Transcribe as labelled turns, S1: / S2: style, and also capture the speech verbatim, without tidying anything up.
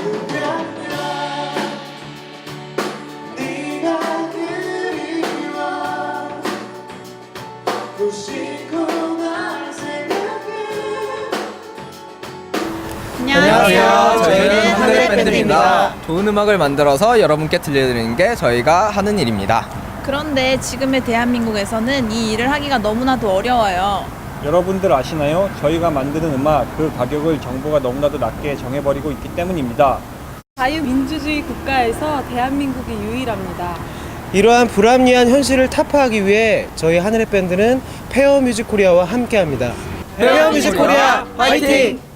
S1: 안녕하세요. 저희는 하늘의 밴드입니다.
S2: 좋은 음악을 만들어서 여러분께 들려드리는 게 저희가 하는 일입니다.
S1: 그런데 지금의 대한민국에서는 이 일을 하기가 너무나도 어려워요.
S3: 여러분들 아시나요? 저희가 만드는 음악, 그 가격을 정부가 너무나도 낮게 정해버리고 있기 때문입니다.
S4: 자유민주주의 국가에서 대한민국이 유일합니다.
S5: 이러한 불합리한 현실을 타파하기 위해 저희 하늘의 밴드는 페어 뮤직 코리아와 함께합니다. 페어 뮤직 코리아 화이팅!